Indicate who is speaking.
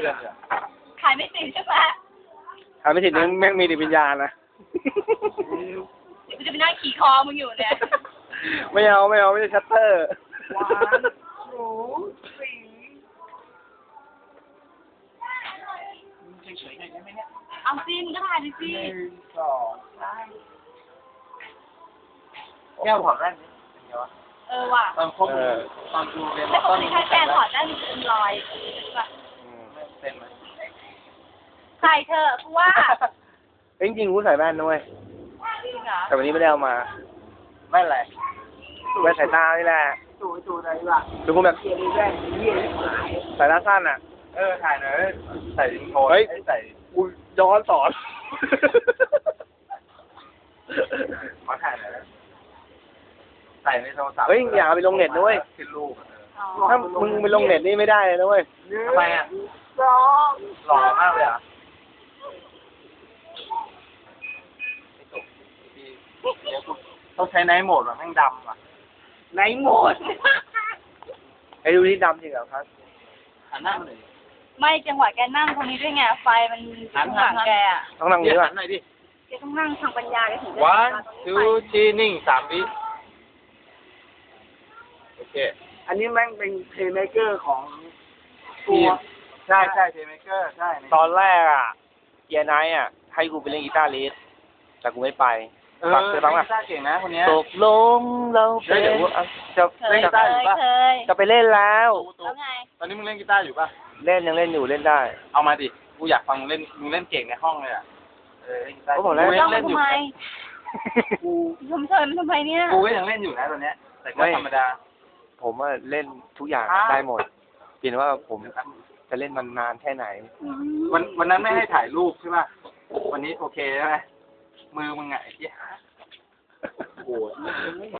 Speaker 1: พื่อนเนี่ย
Speaker 2: ขายไม่ติดใช่ไหม
Speaker 3: ทำไม่ติดนึงแม่งมีจิตวิญญาณนะ
Speaker 2: เดี๋ยวกูจะไปนั่งขี่คอมึงอยู่เนี่ย
Speaker 3: ไม่เอาไม่ใช่ชัตเตอร์
Speaker 1: หวานหนูสีเฉยๆหน่อยได้ไหมเนี่ย
Speaker 2: เอาซิมึงก็ถ่ายดิสิ
Speaker 1: 1 2 3แก้วถอดแว่นนี่เป็นไงวะ
Speaker 2: ว่ะ
Speaker 1: ตอนคบตอนดูเรียน
Speaker 2: แต่ป
Speaker 1: ต้
Speaker 2: ก
Speaker 1: น
Speaker 2: ติถ้าแกถอดได้มันจะเป็นรอยแบบ
Speaker 1: เป็นไหม
Speaker 2: ใส่เถอะกูว่า
Speaker 3: จริงๆกูใส่แว่นด้วย
Speaker 2: จริงเหรอ
Speaker 3: แต่วันนี้ไม่ได้เอามา
Speaker 1: ไม่อะไร
Speaker 3: แว่นสายตานี่แหละ
Speaker 1: ดูอะไรล่ะ
Speaker 3: ดูกูแบบ
Speaker 1: เกียร์แว่นเกียร์หาย
Speaker 3: สายตาสั้นอ่ะ
Speaker 1: ถ่ายหน่อยใส่โทน
Speaker 3: เฮ้ย
Speaker 1: ใส่
Speaker 3: กูย้อนสอน
Speaker 1: ขอถ่ายหน่อยใส่ในโทรศัพท์
Speaker 3: เฮ้ยอย่าเอาไปลงเน็ตนะเว้ย
Speaker 1: ขึ้นรูป
Speaker 2: อ๋อ
Speaker 3: ถ้ามึงไปลงเน็ตนี่ไม่ได้เลยนะเว้ย
Speaker 1: ทำไมอ่ะ
Speaker 2: สอง
Speaker 1: หล่อมากเลยอ่ะต้องใช้ไนท์โหมดแบบแม่งดำอ่ะ
Speaker 2: ไหนหมด
Speaker 3: ไอ้ดูที่ดำจริงเหรอครับ
Speaker 1: หันหน้ามาหน่อย
Speaker 2: ไม่จังหวะแกนั่งตรงนี้ด้วยไงไฟมันข้างหลังแกอ่ะ
Speaker 3: ต้องนั่งนี้
Speaker 1: หั
Speaker 3: ป่ะ
Speaker 1: นหน่อยดิ
Speaker 2: แกต้องนั่งทางปัญญาแกถึงจะ
Speaker 1: one two three นิ่ง3 วิโอเค
Speaker 4: อันนี้แม่งเป็นเพลย์เมเกอร์ของ
Speaker 1: ทีมใช่เทมเกอร์ใช่
Speaker 3: ตอนแรกอ่ะเกียร์ไนท์อ่ะให้กูไปเล่นกีตาร์ลีดแต่กูไม่ไป
Speaker 1: ฟังกีตาร์เก่งนะคนนี้
Speaker 3: ตกลงเราเป็นจะ
Speaker 2: เคยเคย
Speaker 3: ไปเล่นแล้ว
Speaker 2: แล้วไง
Speaker 1: ตอนนี้มึงเล่นกีตาร์อยู่ป่ะ
Speaker 3: เล่นยังเล่นอยู่เล่นได้
Speaker 1: เอามาดิ กูอยากฟังมึงเล่นเก่งในห้องเลยอ่ะเล่นกีตาร์
Speaker 3: ก็บอกแล้ว
Speaker 2: ต้อง
Speaker 1: เล่นอ
Speaker 2: ทำ
Speaker 1: ยู่
Speaker 2: ไม
Speaker 1: กู
Speaker 2: ชมเชยมันทำไมเนี่ย
Speaker 1: กูก็ยังเล่นอยู่นะตอนเนี้ยแต่ก็ธรรมดา
Speaker 3: ผมว่าเล่นทุกอย่างได้หมดเพียงว่าผมจะเล่นมันนานแค่ไหน
Speaker 1: วันนั้นไม่ให้ถ่ายรูปใช่ป่ะ วันนี้โอเคใช่ไหมมือมึงไงไอ้ที่หาย